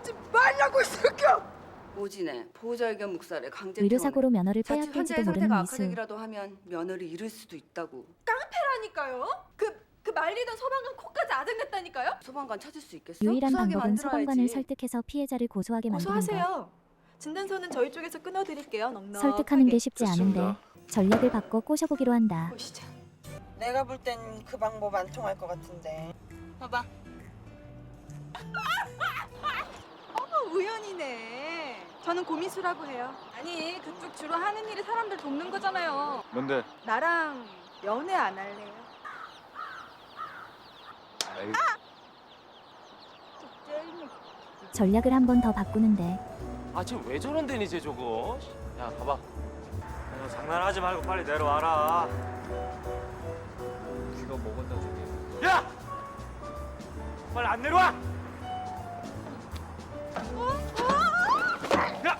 보지 말라고 이 새끼야. 오진에 보호자 의견 묵살에 강제 의료사고로 퇴원해. 면허를 자칫 빼앗길지도 환자의 모르는 상태가 미수. 악화되기라도 하면 면허를 잃을 수도 있다고. 깡패라니까요. 그 말리던 소방관 코까지 아작냈다니까요. 소방관 찾을 수 있겠어? 유일한 구수하게 방법은 만들어야지. 소방관을 설득해서 피해자를 고소하게 만드는 것. 고소하세요. 진단서는 저희 쪽에서 끊어드릴게요. 넉넉하게. 설득하는 게 쉽지 좋습니다. 않은데 전략을 바꿔 꼬셔보기로 한다. 보시죠. 내가 볼 땐 그 방법 안 통할 것 같은데. 봐봐. 어머 우연이네. 저는 고미수라고 해요. 아니 그쪽 주로 하는 일이 사람들 돕는 거잖아요. 뭔데? 나랑 연애 안 할래요? 아이, 전략을 한 번 더 바꾸는데 아, 쟤 왜 저런데 이제 저거? 야, 봐봐. 너 장난하지 말고 빨리 내려와라. 네가 먹었다 저게. 야! 빨리 안 내려와! 야!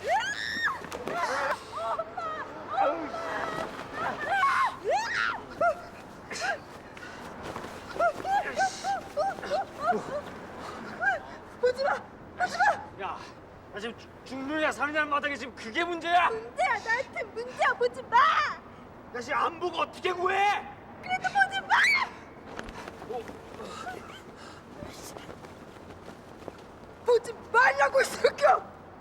야, 나 지금 죽느냐 사느냐 마당에 지금 그게 문제야? 문제야 나한테 문제야 보지 마. 나 지금 안 보고 어떻게 구해?